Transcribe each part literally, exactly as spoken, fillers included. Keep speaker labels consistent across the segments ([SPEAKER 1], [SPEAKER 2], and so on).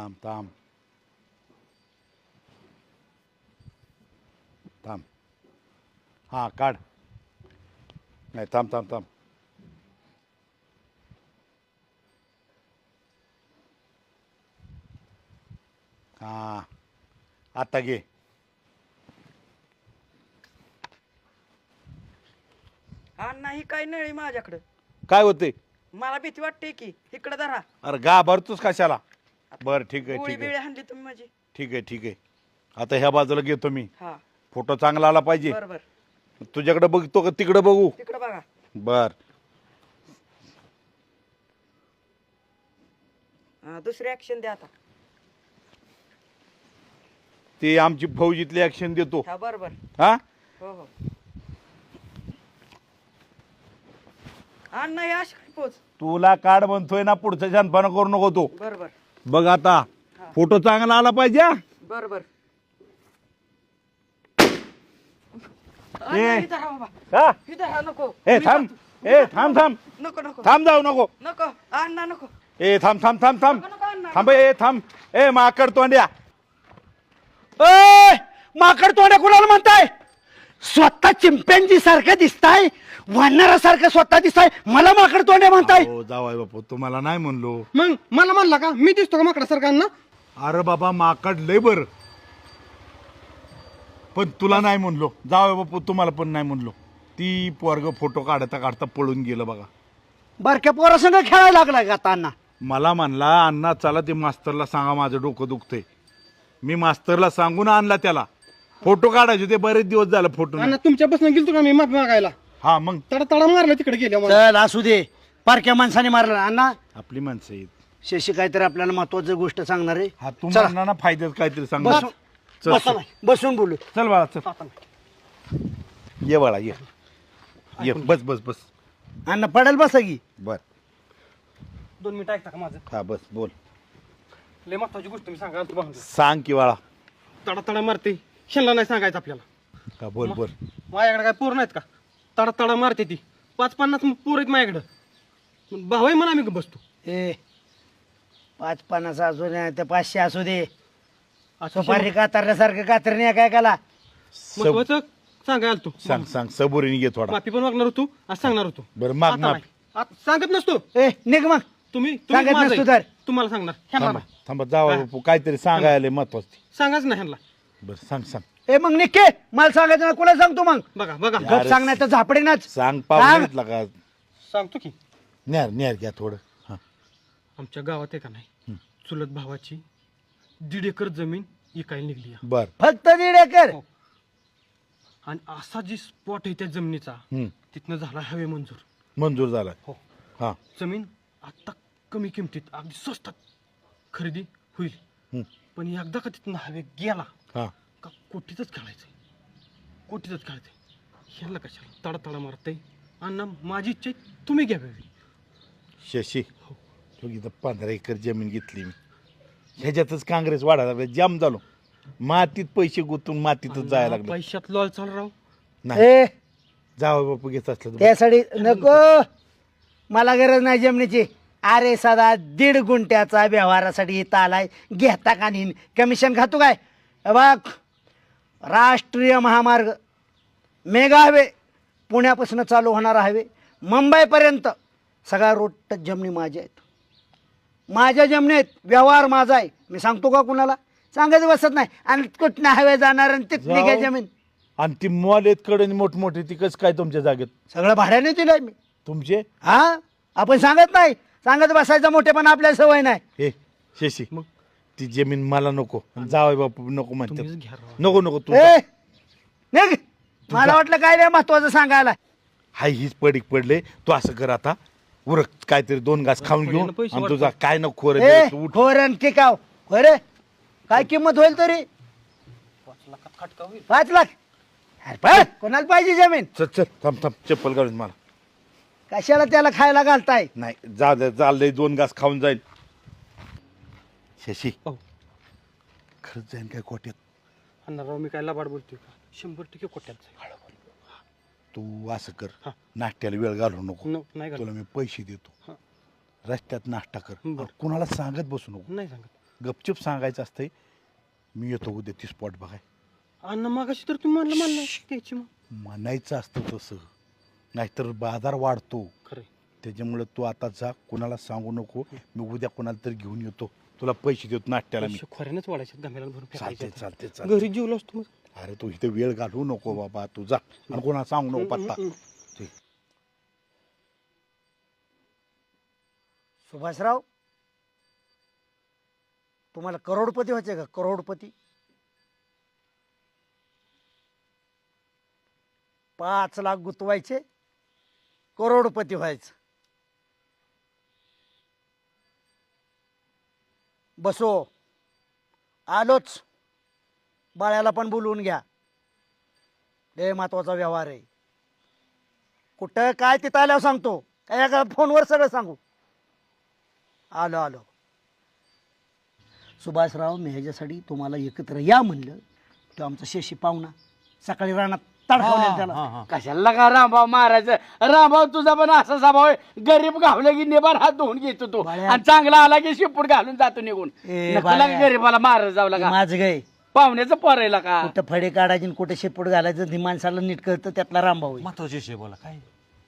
[SPEAKER 1] थांब थांब थांब हां काढ नाही थांब थांब थांब हां आता घे
[SPEAKER 2] अण्णा ही काय नळी माझ्याकडं
[SPEAKER 1] काय होते
[SPEAKER 2] मला भीती वाटते की इकडे धरा
[SPEAKER 1] अरे गा भरतोस कशाला बरं ठीक आहे
[SPEAKER 2] गोळी
[SPEAKER 1] ठीक
[SPEAKER 2] बिळी
[SPEAKER 1] आहे
[SPEAKER 2] हाणली तुम्ही माझी
[SPEAKER 1] ठीक आहे ठीक आहे आता ह्या बाजूला घेतो मी
[SPEAKER 2] हा
[SPEAKER 1] फोटो चांगला आला पाहिजे
[SPEAKER 2] बर बर
[SPEAKER 1] तुझ्याकडे बघतो का तिकडे बघू
[SPEAKER 2] तिकडे बघा
[SPEAKER 1] बर
[SPEAKER 2] हा, दुसरी ऍक्शन द्या आता
[SPEAKER 1] ती आमची फौजीतली ऍक्शन देतो
[SPEAKER 2] हा बर बर
[SPEAKER 1] हा
[SPEAKER 2] हो हो अण्णा या पोच
[SPEAKER 1] तुला कार्ड बनतोय ना पुढचा शानपणा करू नको तो
[SPEAKER 2] बर बर
[SPEAKER 1] बघ आता
[SPEAKER 2] हा.
[SPEAKER 1] फोटो चांगला आला पाहिजे हा?
[SPEAKER 2] बर बर
[SPEAKER 1] ए.
[SPEAKER 2] अण्णा, ही धरा बाबा
[SPEAKER 1] हा
[SPEAKER 2] ही धरा नको
[SPEAKER 1] ए
[SPEAKER 2] मी
[SPEAKER 1] थांब
[SPEAKER 2] जातो.
[SPEAKER 1] ए थांब थांब
[SPEAKER 2] नको नको
[SPEAKER 1] थांब जाऊ नको
[SPEAKER 2] नको अण्णा नको
[SPEAKER 1] ए थांब थांब थांब थांब
[SPEAKER 2] नको नको अण्णा
[SPEAKER 1] थांब ए थांब ए माकड तोंड्या ए माकड तोंड्या कुणाला म्हणताय
[SPEAKER 3] स्वतः चिंपॅन्जी सारखं दिसताय वानरासारखं स्वतः दिसताय मला माकड तोंड्या म्हणताय
[SPEAKER 1] हो जावाय बापू तुम्हाला नाही म्हणलो
[SPEAKER 4] मग मला म्हणला का मी दिसतो का माकडा सरकारना
[SPEAKER 1] अरे बाबा माकड लय बर पण तुला नाही म्हणलो जावाय बापू तुम्हाला पण नाही म्हणलो ती पोरग फोटो काढता काढता पळून गेलं बघा
[SPEAKER 3] बारक्या पोरासंग खेळायला लागलाय का आता अण्णा
[SPEAKER 1] मला म्हणला अण्णा चला ते मास्तरला सांगा माझं डोकं दुखतंय मी मास्तरला सांगून आणला त्याला फोटो काढायचे ते बरेच दिवस झालं फोटो नाही.
[SPEAKER 4] आणि तुमच्यापासून गेलतो का मी माफी मागायला
[SPEAKER 1] हा मग
[SPEAKER 4] तडा तडा मारला तिकडे गेल्या मला
[SPEAKER 3] चल असू दे बारक्या माणसाने मारला अण्णा
[SPEAKER 1] आपली माणसं आहेत
[SPEAKER 3] शशी काहीतरी आपल्याला महत्वाची गोष्ट सांगणार आहे
[SPEAKER 1] हा तू
[SPEAKER 3] चला.
[SPEAKER 1] म्हणणार ना फायद्यात काहीतरी सांग
[SPEAKER 3] बसून
[SPEAKER 1] चल,
[SPEAKER 3] बसून- बसून बोलू
[SPEAKER 1] चल बाळा चल ये बाळा ये ये बस बस बस
[SPEAKER 3] अण्णा पडेल बसा की
[SPEAKER 1] बर
[SPEAKER 4] दोन मिनिटं ऐकता का माझं
[SPEAKER 1] हा बस बोल
[SPEAKER 4] लय महत्वाची गोष्ट मी सांगा तू
[SPEAKER 1] सांग की बाळा
[SPEAKER 4] तडा तडा मारते शेणला नाही सांगायचं आपल्याला
[SPEAKER 1] का बोल बोल
[SPEAKER 4] माझ्याकडे काय पोर नाहीत का तडा तडा मारते ती पाच पन्नास पोर आहेत माझ्याकडं भाऊ आहे म्हणा आम्ही बसतो
[SPEAKER 3] ए पाच पन्नास असू दे ते पाचशे असू दे
[SPEAKER 4] असं
[SPEAKER 3] सुपारी कातरण्यासारखं कातरणे काय काला
[SPEAKER 4] महत्वाचं सांगायला तू
[SPEAKER 1] सांग सांग सबुरीने घे थोडा
[SPEAKER 4] माफी पण मागणार होतो आज सांगणार होतो
[SPEAKER 1] बरं माग
[SPEAKER 4] आता
[SPEAKER 1] माग
[SPEAKER 4] नाही. आता सांगत नसतो
[SPEAKER 3] ए निघ मग
[SPEAKER 4] तुम्ही
[SPEAKER 3] सांगत
[SPEAKER 4] तुम्ही माझं
[SPEAKER 3] नसतो
[SPEAKER 4] आहे.
[SPEAKER 3] तर.
[SPEAKER 4] तुम्हाला सांगणार ह्यांना
[SPEAKER 1] थांबा
[SPEAKER 4] नाही.
[SPEAKER 1] थांबा जावा बापू काहीतरी सांगायला महत्वाचं
[SPEAKER 4] सांगाच ना ह्यांना
[SPEAKER 1] बरं सांग सांग
[SPEAKER 3] ए मग निघे मला सांगायचं ना कुणा सांगतो मग
[SPEAKER 4] बघा बघा
[SPEAKER 1] या.
[SPEAKER 3] गप सांगण्याचं झापडेनाच
[SPEAKER 1] सांग
[SPEAKER 3] सांग.
[SPEAKER 1] पाहुण्यातला का
[SPEAKER 4] सांगतो की
[SPEAKER 1] न्यार न्यार घ्या थोडं हा
[SPEAKER 4] आमच्या गावात आहे का नाही चुलत भावाची दीड एकर जमीन इकायला निघली आहे.
[SPEAKER 1] बर
[SPEAKER 3] फक्त दीड एकर
[SPEAKER 4] हो. आणि असा जी स्पॉट आहे त्या जमिनीचा
[SPEAKER 1] हम्म
[SPEAKER 4] तिथनं झाला हवे मंजूर
[SPEAKER 1] मंजूर झाला
[SPEAKER 4] हो
[SPEAKER 1] हा
[SPEAKER 4] जमीन आता कमी किमतीत अगदी स्वस्तात खरेदी होईल
[SPEAKER 1] हम्म.
[SPEAKER 4] पण एकदा का तिथनं हवे गेला
[SPEAKER 1] हा
[SPEAKER 4] का कोटीतच खेळायचंय कोटीतच खेळायचंय ह्याला कशाला तडा तडा मारतंय अण्णा माझी इच्छा आहे तुम्ही घ्यावी
[SPEAKER 1] शशी तो इथं पंधरा एकर जमीन घेतली मी ह्याच्यातच काँग्रेस वाढायला लागला जाम झालो मातीत पैसे गुंतून मातीतच जायला लागलो
[SPEAKER 4] पैशात लॉल चाल राव
[SPEAKER 1] नाही
[SPEAKER 3] ए
[SPEAKER 1] जावं बापू घेत असलं तर
[SPEAKER 3] त्यासाठी नको मला गरज नाही जमिनीची अरे सदा दीड गुंठ्याचा व्यवहारासाठी इथं आलाय घेता का नाही कमिशन खातो काय हे बघ राष्ट्रीय महामार्ग मेगा हायवे पुण्यापासून चालू होणारा हायवे मुंबईपर्यंत सगळा रोड टच जमिनी माझ्या आहेत माझ्या जमिनीत व्यवहार माझा आहे मी सांगतो का कुणाला सांगायचं बसत नाही आणि कुठनं हायवे जाणार आणि तिथली
[SPEAKER 1] जाऊ.
[SPEAKER 3] काय जमीन
[SPEAKER 1] आणि ती मॉल आहेत कडे मोठमोठे ती कसं काय तुमच्या जागेत
[SPEAKER 3] सगळं भाड्याने दिलंय मी
[SPEAKER 1] तुमचे
[SPEAKER 3] हा आपण सांगत नाही सांगत बसायचं मोठेपणा आपल्याला सवय नाही
[SPEAKER 1] हे शशी
[SPEAKER 4] मग?
[SPEAKER 1] ती जमीन मला नको जावं बापू नको
[SPEAKER 4] तुम्हीच
[SPEAKER 1] म्हणते
[SPEAKER 4] घ्या राव.
[SPEAKER 1] नको नको तू
[SPEAKER 3] ए निघ मला वाटलं काय नाही महत्वाचं सांगायला
[SPEAKER 1] हाय हीच पडीक पडले तू असं कर आता उरक काहीतरी दोन घास खाऊन घेऊन
[SPEAKER 4] पैसे
[SPEAKER 1] आणि तुझा काय नको खोर
[SPEAKER 3] ए खोरण टिकाव खरे काय किंमत होईल तरी
[SPEAKER 4] पाच लाखात खटका होईल
[SPEAKER 3] पाच लाख अरे पण कोणाला पाहिजे जमीन
[SPEAKER 1] चल चल थांब थांब चप्पल काढून मला
[SPEAKER 3] कशाला त्याला खायला घालताय
[SPEAKER 1] नाही जा दे चाललंय दोन घास खाऊन जाईल शशी
[SPEAKER 4] हो
[SPEAKER 1] खरंच जाईन काय कोट्यात
[SPEAKER 4] अण्णा राव मी काय लबाड बोलतोय का शंभर टक्के कोट्यात जाईल.
[SPEAKER 1] तू असं कर
[SPEAKER 4] हा.
[SPEAKER 1] नाश्त्याला वेळ घालू नको
[SPEAKER 4] न- नाही
[SPEAKER 1] तुला
[SPEAKER 4] घालत.
[SPEAKER 1] मी पैसे देतो
[SPEAKER 4] हा.
[SPEAKER 1] रस्त्यात नाश्ता कर
[SPEAKER 4] बरं.
[SPEAKER 1] कुणाला सांगत बसू नको
[SPEAKER 4] नाही सांगत
[SPEAKER 1] गपचूप सांगायचं असतंय मी येतो उद्या ती स्पॉट बघाय.
[SPEAKER 4] अण्णा मागाशी तर तुम्ही म्हणलं म्हणलं द्यायची मग.
[SPEAKER 1] म्हणायचं असतं तसं, नाहीतर बाजार वाढतो.
[SPEAKER 4] खरं
[SPEAKER 1] त्याच्यामुळे तू आता जा, कुणाला सांगू नको. मी उद्या कुणाला तरी घेऊन येतो, तुला पैसे देतो नाट्याला मी.
[SPEAKER 4] खोऱ्यानंच वाढायचे गमेला भरून
[SPEAKER 1] चालते
[SPEAKER 4] फेकायचे.
[SPEAKER 1] चालते चालते.
[SPEAKER 4] घरी जेवलो असतो मग.
[SPEAKER 1] अरे तू इथे वेळ घालवू नको बाबा, तू जा आणि कोणाला सांगू नको पत्ता. ठीक.
[SPEAKER 3] सुभाषराव, तुम्हाला करोडपती व्हायचे का? करोडपती. पाच लाख गुतवायचे, करोडपती व्हायचं. बसो, आलोच. बाळ्याला पण बोलवून घ्या, लय महत्वाचा व्यवहार आहे. कुठं काय तिथं आल्यावर सांगतो, काय का फोनवर सगळं सांगू. आलो आलो. सुभाषराव, मी ह्याच्यासाठी तुम्हाला एकत्र या म्हणलं, तो आमचा शेशी पाहुणा सकाळी रानात तडकावलेला त्याला.
[SPEAKER 5] कशाला का रामभाव मारायचं? रामभाव तुझा पण असा स्वभाव आहे, गरीब घावलं की नेबार हात धुवून घेतो तो,
[SPEAKER 3] बाळ्या.
[SPEAKER 5] आणि चांगला आला की शिपूट घालून जातो निघून.
[SPEAKER 3] ए,
[SPEAKER 5] नको
[SPEAKER 3] बाळ्या.
[SPEAKER 5] लागा गरीबाला मारत जाऊ लागा,
[SPEAKER 3] माझं गाय
[SPEAKER 5] पाहुण्याचं पोरायला का.
[SPEAKER 3] कुठं फडे काढायचे आणि कुठं शेपूट घालायचं ती माणसाला नीट कळतं, त्यातला रामभाऊ आहे.
[SPEAKER 6] महत्वाची विषय बोला काय.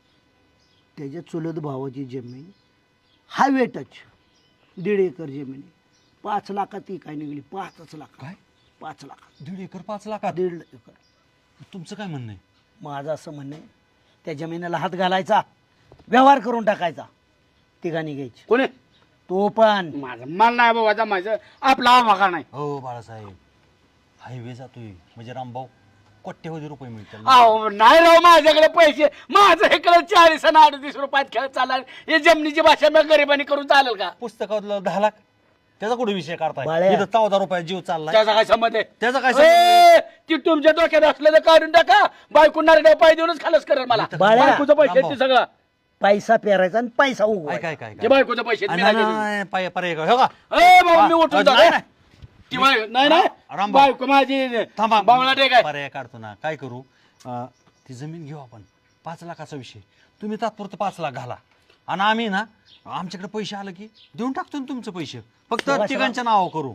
[SPEAKER 3] त्याच्या चुलत भावाची जमीन हायवे टच दीड एकर जमीन आहे. पाच लाखात ती काय निघली, पाचच लाख.
[SPEAKER 6] काय?
[SPEAKER 3] पाच लाखात
[SPEAKER 6] दीड एकर पाच लाखात?
[SPEAKER 3] दीड एकर.
[SPEAKER 6] तुमचं काय म्हणणं आहे?
[SPEAKER 3] माझं असं म्हणणं आहे, त्या जमिनीला हात घालायचा, व्यवहार करून टाकायचा, तिघांनी घ्यायची.
[SPEAKER 5] कोणी?
[SPEAKER 3] तो पण
[SPEAKER 5] माझं मन नाही बाबा जमायचं, आपला आवाका नाही.
[SPEAKER 6] हो बाळासाहेब, हायवे जातोय म्हणजे रामभाऊ कोट्यवधी रुपये मिळतील.
[SPEAKER 5] अहो नाही राव, माझ्याकडे पैसे, माझं इकडे चाळीस आणि अडतीस रुपयात खेळ चालला. हे जमिनीची भाषा मी गरिबांनी करून चालेल का?
[SPEAKER 6] पुस्तकातलं दहा लाख त्याचा कुठे विषय काढताय?
[SPEAKER 3] बाळ्या.
[SPEAKER 6] इथं चौदा रुपयात जीव चाललाय.
[SPEAKER 5] त्याचा काय संबंध आहे?
[SPEAKER 6] त्याचा काय संबंध आहे?
[SPEAKER 5] ए, ती तुमच्या डोक्यात असलं तर काढून टाका. बायको नारड्या पाय देऊनच खालच करेल मला.
[SPEAKER 3] बाळ्या.
[SPEAKER 5] बायकोचं पैसे आहेत ते सगळं.
[SPEAKER 3] पैसा पेरायचा आणि पैसा
[SPEAKER 6] काय
[SPEAKER 3] उगवायचा.
[SPEAKER 6] काय काय
[SPEAKER 5] ते बायकोचं पैसे आहेत, मी
[SPEAKER 6] नाही,
[SPEAKER 5] नाही
[SPEAKER 6] नाही,
[SPEAKER 5] देत.
[SPEAKER 6] नाही, पाय- पर्याय का? हो का?
[SPEAKER 5] ए बाबा, मी
[SPEAKER 6] हा,
[SPEAKER 5] उठून
[SPEAKER 6] नाही,
[SPEAKER 5] जातो.
[SPEAKER 6] नाही.
[SPEAKER 5] ती बाय- नाही नाही
[SPEAKER 6] रामभाऊ.
[SPEAKER 5] बायको माझी
[SPEAKER 6] थांबा,
[SPEAKER 5] बावळा टेक आहे.
[SPEAKER 6] पर्याय काढतो ना. काय करू, अं, ती जमीन घेऊ आपण, पाच लाखाचा विषय. तुम्ही तात्पुरतं पाच लाख घाला आणि आम्ही ना आमच्याकडे पैसे आलं की देऊन टाकतो ना तुमचे पैसे. फक्त
[SPEAKER 3] शिवा-
[SPEAKER 6] तिघांच्या नावावर करू.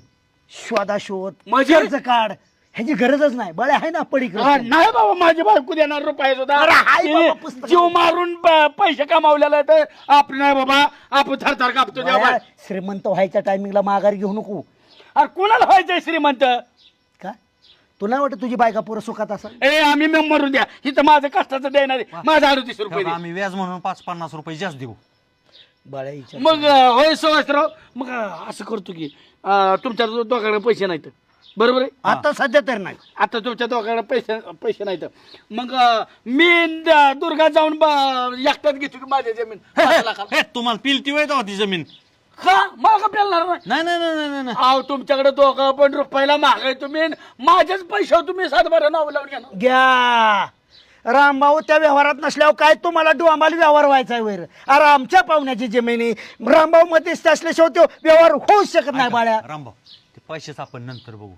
[SPEAKER 3] शोधाशोध
[SPEAKER 5] म्हणजे?
[SPEAKER 3] कर्ज काढ, ह्याची गरजच नाही. बळे आहे ना पडीक
[SPEAKER 5] हा, नाही बाबा, माझी बायको देणार रुपये सुद्धा.
[SPEAKER 3] अरे हाय बाबा,
[SPEAKER 5] तिने
[SPEAKER 3] पुस्तकं.
[SPEAKER 5] जीव मारून प- पैसे कमावलेला आहे, तर आपण नाही बाबा, आपण थरथर कापतो देवा.
[SPEAKER 3] बळ्या, श्रीमंत व्हायच्या टायमिंगला माघार घेऊ नको.
[SPEAKER 5] अरे कुणाला व्हायचंय श्रीमंत?
[SPEAKER 3] का तुला वाटत तुझी बायका पुरं सुखात असं?
[SPEAKER 5] ए आम्ही मग मरून द्या, इथं माझं कष्टाचं देणार आहे. माझं अडतीस रुपये
[SPEAKER 6] तेव्हा
[SPEAKER 5] दे.
[SPEAKER 6] आम्ही व्याज म्हणून पाच पन्नास रुपये जास्त देऊ.
[SPEAKER 3] बळ्या विचार.
[SPEAKER 5] मग अं, होय सुभाषराव, मग अं, असं करतो की अं, तुमच्या दो- दोघांकडे पैसे नाहीत, बरोबर आहे?
[SPEAKER 3] आता सध्या तर नाही.
[SPEAKER 5] आता तुमच्या दोघांकडे पैसे पैसे नाहीत, मग अं, मी द- दुर्गा जाऊन ब- एकट्यात घेतो की माझी जमीन पाच लाखाला.
[SPEAKER 6] हे, तुम्हाला पिलती वय तेव्हा ती जमीन?
[SPEAKER 5] का मला का पेलणार नाही?
[SPEAKER 6] नाही नाही नाही नाही नाही.
[SPEAKER 5] अहो तुमच्याकडे दोघं पण रुपयाला महागाय, तुम्ही माझ्याच पैशावर तुम्ही सातबारा नाव लावून घ्या ना.
[SPEAKER 3] घ्या रामभाऊ, त्या व्यवहारात नसल्यावर काय तुम्हाला डू आम्हाला व्यवहार व्हायचा आहे वैर? अरे आमच्या पाहुण्याची जमिनी रामभाऊ मध्येच असल्याशिवाय तो व्यवहार होऊच शकत नाही. बाळ्या
[SPEAKER 6] रामभाऊ, ते पैसेच आपण नंतर बघू.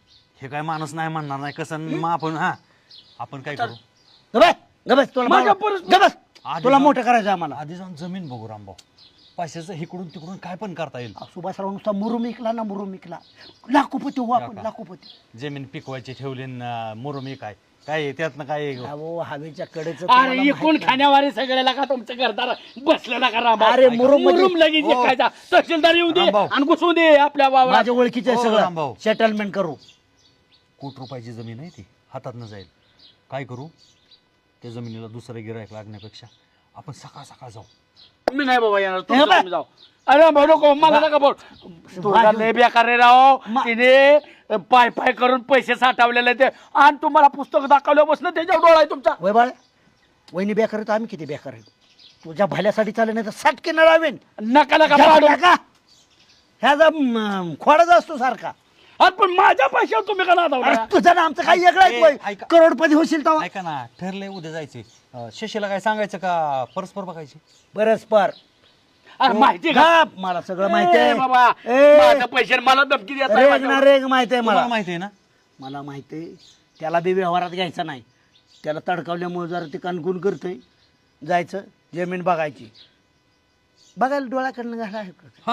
[SPEAKER 6] हे काय माणूस नाही म्हणणार नाही कसं. मग आपण हा आपण काय करू,
[SPEAKER 3] गबस गबस, तुला
[SPEAKER 5] माझ्या
[SPEAKER 3] मागं-
[SPEAKER 5] परस-
[SPEAKER 3] गबस,
[SPEAKER 6] आधी
[SPEAKER 3] तुला
[SPEAKER 6] जाऊन-
[SPEAKER 3] मोठं करायचं आम्हाला.
[SPEAKER 6] आधी जाऊन जमीन बघू रामभाऊ. पैशाचं इकडून तिकडून काय पण करता येईल.
[SPEAKER 3] सुभाषराव नुसता मुरुम इकला ना, मुरुम इकला, लाखोपती हो आपण, लाखोपती.
[SPEAKER 6] जमीन पिकवायची ठेवली मुरुमी काय काय आहे, त्यातनं काय आहे?
[SPEAKER 3] अहो हवेच्या कडेच
[SPEAKER 5] अरे इकून खाण्यावारी सगळ्याला का तुमचं घरदार बसलेला का राम?
[SPEAKER 3] अरे, मुरुम मध्ये-
[SPEAKER 5] मुरुम लगेच
[SPEAKER 6] हो.
[SPEAKER 5] खायचा. तहसीलदार येऊ दे
[SPEAKER 6] रामभाऊ.
[SPEAKER 5] आणि घुसू दे आपल्या वावरात.
[SPEAKER 3] माझ्या ओळखीचे
[SPEAKER 6] हो,
[SPEAKER 3] सगळं
[SPEAKER 6] रामभाऊ.
[SPEAKER 3] सेटलमेंट करू.
[SPEAKER 6] कोट रुपयाची जमीन आहे ती, हातात न जाईल. काय करू, त्या जमिनीला दुसरं गिरायक लागण्यापेक्षा आपण सकाळ सकाळ जाऊ.
[SPEAKER 5] मी नाही बाबा येणार,
[SPEAKER 3] हे
[SPEAKER 5] तुम्ही
[SPEAKER 3] बघ.
[SPEAKER 5] तुम्ही जाऊ. अरे भाऊ नको, मला नका बोल. तुला लय बेकार रे राव.
[SPEAKER 3] मा-
[SPEAKER 5] तिने पाय पाय करून पैसे साठवलेले ते, आणि तुम्हाला पुस्तक दाखवल्यापासून त्याच्यावर डोळा आहे तुमचा.
[SPEAKER 3] वय बाळ, वहिनी बेकार आहे तर आम्ही किती बेकार आहे? तुझ्या भल्यासाठी चालेल नाही तर साठके न लावेन.
[SPEAKER 5] नका नका पाडू.
[SPEAKER 3] का ह्याचा म, खोडाचा असतो सारखा.
[SPEAKER 5] अरे पण माझ्या पैशावर तुम्ही का
[SPEAKER 3] अरे
[SPEAKER 5] नादावला?
[SPEAKER 3] तुझं ना आमचं काही वेगळं आहे
[SPEAKER 6] ए,
[SPEAKER 3] वय.
[SPEAKER 6] ऐका.
[SPEAKER 3] करोडपती होशील तेव्हा.
[SPEAKER 6] ऐका ना, ठरलंय उद्या जायचे. अं, शशीला काय सांगायचं का परस्पर बघायचे?
[SPEAKER 3] परस्पर
[SPEAKER 5] अरे माहिती का?
[SPEAKER 3] गप, मला सगळं माहिती
[SPEAKER 5] ए,
[SPEAKER 3] आहे
[SPEAKER 5] बाबा
[SPEAKER 3] ए,
[SPEAKER 5] माझ्या पैशावर मला धमकी देत नाही
[SPEAKER 3] रेग
[SPEAKER 5] माझ्यावर.
[SPEAKER 3] ना रेग माहिती आहे मला.
[SPEAKER 6] तुम्हाला माहिती आहे ना.
[SPEAKER 3] मला माहिती आहे त्याला बी व्यवहारात घ्यायचा नाही. त्याला तडकावल्यामुळे जरा ते कणकुण करतोय. जायचं जमीन बघायची, बघायला डोळ्याकडनं घाला.
[SPEAKER 6] हा,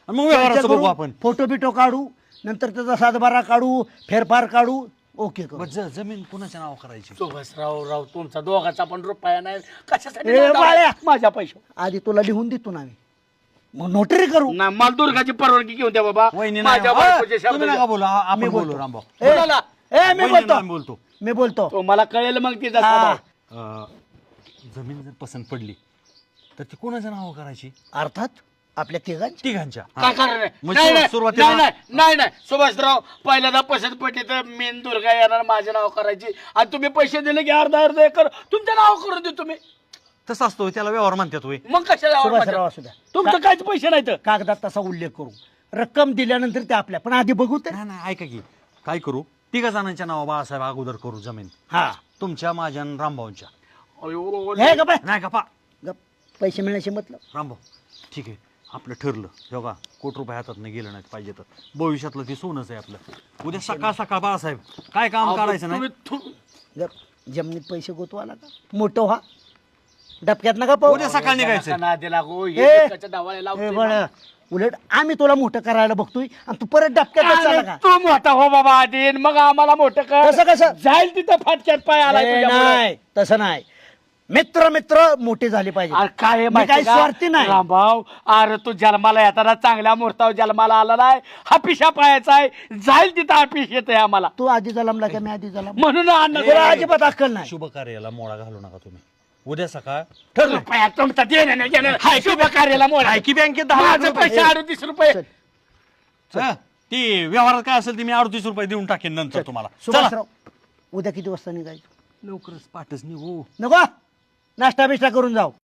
[SPEAKER 6] आणि मग व्यवहाराचं बघू आपण.
[SPEAKER 3] फोटो बिटो काढू, नंतर त्याचा सातबारा काढू, फेरफार काढू, ओके करू.
[SPEAKER 6] बरं, ज- जमीन कुणाच्या नाव करायची?
[SPEAKER 5] सुभाषराव राव तुमचा दोघाचा पण रुपया नाही कशासाठी
[SPEAKER 3] ए,
[SPEAKER 5] नादाला
[SPEAKER 3] बाळ्या.
[SPEAKER 5] माझ्या पैसे
[SPEAKER 3] आधी तुला लिहून देतो ना आम्ही, मग नोटरी करू.
[SPEAKER 5] ना मला दुर्गाची परवानगी घेऊन द्या बाबा.
[SPEAKER 6] वहिनी नाही.
[SPEAKER 5] माझ्या
[SPEAKER 6] अ,
[SPEAKER 5] बायकोच्या
[SPEAKER 6] तुम्ही
[SPEAKER 5] शब्दाच्या-
[SPEAKER 6] नका बोलू, आ- आपण
[SPEAKER 3] मी
[SPEAKER 6] बोलू
[SPEAKER 3] बोलतो.
[SPEAKER 6] रामभाऊ.
[SPEAKER 3] ए,
[SPEAKER 5] बोला.
[SPEAKER 3] ए, मी
[SPEAKER 6] वहिनी
[SPEAKER 3] बोलतो
[SPEAKER 6] नाही बोलतो.
[SPEAKER 3] मी बोलतो
[SPEAKER 5] तो मला कळेल मग तिचा
[SPEAKER 3] हा.
[SPEAKER 5] स्वभाव.
[SPEAKER 6] अ, जमीन जर पसंत पडली तर ती कोणाच्या नाव करायची?
[SPEAKER 3] अर्थात आपल्या तिघांची.
[SPEAKER 6] तिघांच्या.
[SPEAKER 5] काय कारण आहे?
[SPEAKER 6] म्हणजे
[SPEAKER 5] नाही नाही,
[SPEAKER 6] सुरुवातीला-
[SPEAKER 5] नाही नाही नाही नाही सुभाषराव पहिल्यांदा पसंत पडली तर मेन दुर्गा येणार माझे नाव करायची आणि तुम्ही पैसे दिले की अर्धा अर्धा एकर तुमचं नाव करून देतो तुम्ही.
[SPEAKER 6] तसं असतो, त्याला व्यवहार म्हणतात होय.
[SPEAKER 5] मग कशाला आवड
[SPEAKER 3] सुभाषराव
[SPEAKER 5] माझ्या?
[SPEAKER 3] असू द्या.
[SPEAKER 5] तुमचं काहीच पैसे नाही तर
[SPEAKER 3] कागदात तसा उल्लेख करू, रक्कम दिल्यानंतर ते आपल्या, पण आधी बघू तर.
[SPEAKER 6] नाही नाही, ऐका की काय करू, तिघा जणांच्या नाव बाळासाहेब अगोदर करू जमीन,
[SPEAKER 3] हा
[SPEAKER 6] तुमच्या माझ्या आणि रामभाऊंच्या.
[SPEAKER 5] अयो,
[SPEAKER 3] हे गप्प आहे.
[SPEAKER 6] नाही का पा
[SPEAKER 3] गप्प. पैसे मिळण्याचे मतलब.
[SPEAKER 6] रामभाऊ ठीक आहे, आपलं ठरलं. हे बघा, कोट रुपये हातात नाही गेलं नाही पाहिजे तर भविष्यातलं ते सोनच आहे आपलं. उद्या सकाळ सकाळ बाळासाहेब काय काम काढायचं नाही.
[SPEAKER 5] तुम्ही थु-
[SPEAKER 3] गप्प. जमिनीत पैसे गोतवाला का मोठं व्हा, डबक्यात नका पाहू.
[SPEAKER 6] उद्या सकाळ निघायचं.
[SPEAKER 5] नका नादी लागू हे
[SPEAKER 3] ए,
[SPEAKER 5] डोक्याच्या डावाला
[SPEAKER 3] ए,
[SPEAKER 5] लावतोय.
[SPEAKER 3] बरं. उलट आम्ही तुला मोठं करायला बघतोय आणि तू परत डबक्यात चाला का?
[SPEAKER 5] तू मोठा हो बाबा आधी मग आम्हाला मोठं कर.
[SPEAKER 3] कसं कसं?
[SPEAKER 5] जाईल तिथं फाटक्यात पाय आला
[SPEAKER 3] ए, नाही तसं नाही. मित्र मित्र मोठे झाले पाहिजे.
[SPEAKER 5] काय आहे
[SPEAKER 3] मी
[SPEAKER 5] माहिती
[SPEAKER 3] काही
[SPEAKER 5] का?
[SPEAKER 3] स्वार्थी नाही.
[SPEAKER 5] रामभाऊ अरे तू जन्माला येताना चांगल्या मुहूर्तावर जन्माला आला नाही, हा पिशा पायाचा आहे, जाईल तिथं हा पिश येत आहे आम्हाला
[SPEAKER 3] तू आधी जलमला का मी आधी जलम?
[SPEAKER 5] म्हणून अन्न
[SPEAKER 3] तुला अजिबात अक्कल नाही.
[SPEAKER 6] शुभ कार्याला मोडा घालू नका तुम्ही. उद्या सकाळ
[SPEAKER 5] रुपया तुमचा देणं नाही घेणं. शुभ कार्याला मोडा.
[SPEAKER 6] की बँकेत दहा लाख
[SPEAKER 5] माझं
[SPEAKER 6] रुपये.
[SPEAKER 5] पैसे अडतीस रुपये
[SPEAKER 3] चल.
[SPEAKER 6] हा, ती व्यवहारात काय असेल ते मी अडतीस रुपये देऊन टाकेन नंतर तुम्हाला. चला.
[SPEAKER 3] सुभाषराव उद्या किती वाजता निघायचं?
[SPEAKER 6] लवकरच पाठच निघू.
[SPEAKER 3] नको नाश्ता बिष्टा करून जाऊ.